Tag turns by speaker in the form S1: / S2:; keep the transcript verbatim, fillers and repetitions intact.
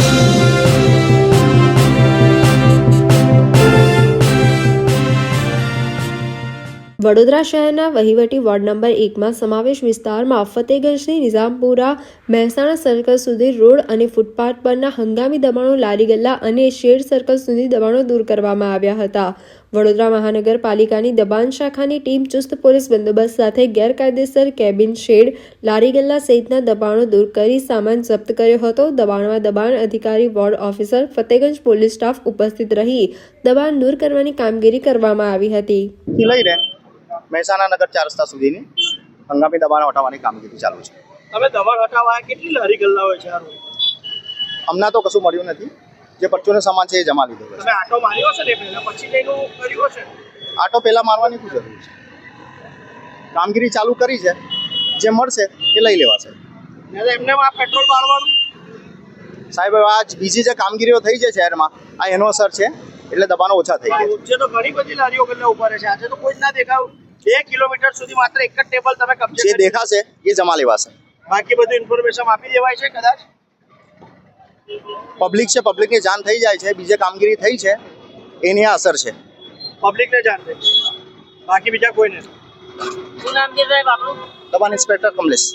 S1: વડોદરા શહેરના વહીવટી ward number એકમાં સમાવેશ વિસ્તારમાં ફતેગંજથી નિઝામપુરા મહેસાણા સર્કલ સુધી રોડ અને ફૂટપાથ પરના હંગામી દબાણો, લારી ગલ્લા અને શેડ સર્કલ સુધી દબાણો દૂર કરવામાં આવ્યા હતા. વડોદરા મહાનગરપાલિકાની દબાણ શાખાની ટીમ ચુસ્ત પોલીસ બંદોબસ્ત સાથે ગેરકાયદેસર કેબિન, શેડ, લારી ગલ્લા સહિતના દબાણો દૂર કરી સામાન જપ્ત કર્યો હતો. દબાણમાં દબાણ અધિકારી, ward officer, Fatehganj police staff ઉપસ્થિત રહી દબાણ દૂર કરવાની કામગીરી કરવામાં આવી હતી.
S2: મહેસાણા નગર ચાર રસ્તા સુધીની હંગામી દબાણ હટાવવાની કામગીરી ચાલુ છે.
S3: તમે દબાણ હટાવવા કેટલી લારી ગલ્લા હોય છે?
S2: હમણાં તો કશું મળ્યું નથી. જે પરચુનો સામાન છે એ જમા લીધો છે.
S3: તમે આટો માર્યો છે ને પહેલા, પછી જઈનું કર્યું છે?
S2: આટો પહેલા મારવાની શું જરૂર છે? કામગીરી ચાલુ કરી છે, જે મળશે એ લઈ લેવાશે.
S3: એમને આ પેટ્રોલ બાળવાનું
S2: સાહેબ, આ બીજી જે કામગીરીઓ થઈ છે શહેરમાં, આ એનો અસર છે, એટલે દબાણો ઓછા થઈ ગયા
S3: છે. તો ઘણી બધી લારીઓ ગલ્લા ઉભા રહે છે. આજે તો કોઈ જ ના દેખાવ. બે કિલોમીટર સુધી માત્ર એક જ ટેબલ તમે કબજે
S2: જે દેખાશે એ જમા લેવાશે.
S3: બાકી બધું ઇન્ફોર્મેશન આપી દેવાય છે. કદાચ
S2: પબ્લિક છે, પબ્લિકને જાણ થઈ જાય છે. બીજે કામગીરી થઈ છે એની આ અસર છે.
S3: પબ્લિકને જાણ થઈ, બાકી બીજા કોઈને. શું નામ છે સાહેબ આપણું?
S2: દબાણ ઇન્સ્પેક્ટર કમલેશ.